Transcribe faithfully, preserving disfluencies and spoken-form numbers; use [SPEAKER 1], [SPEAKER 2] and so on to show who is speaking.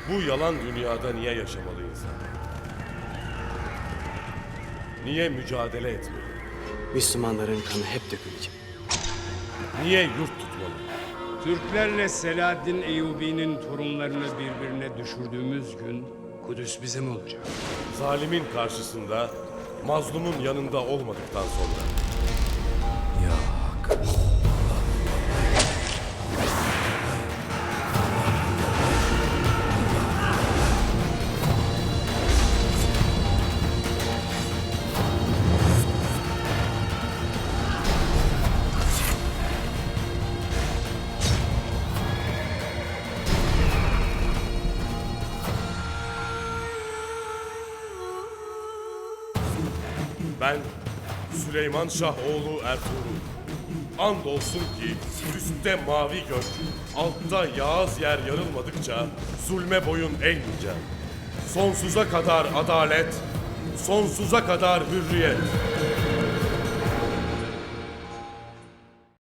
[SPEAKER 1] Bu yalan dünyada niye yaşamalı insan? Niye mücadele etmeli?
[SPEAKER 2] Müslümanların kanı hep dökülecek.
[SPEAKER 1] Niye yurt tutmalı?
[SPEAKER 3] Türklerle Selahaddin Eyyubi'nin torunlarını birbirine düşürdüğümüz gün Kudüs bizim olacak.
[SPEAKER 1] Zalimin karşısında, mazlumun yanında olmadıktan sonra. Ben Süleyman Şah oğlu Ertuğrul. Andolsun ki üstte mavi gök, altta yağız yer yarılmadıkça zulme boyun eğmeyeceğim. Sonsuza kadar adalet, sonsuza kadar hürriyet.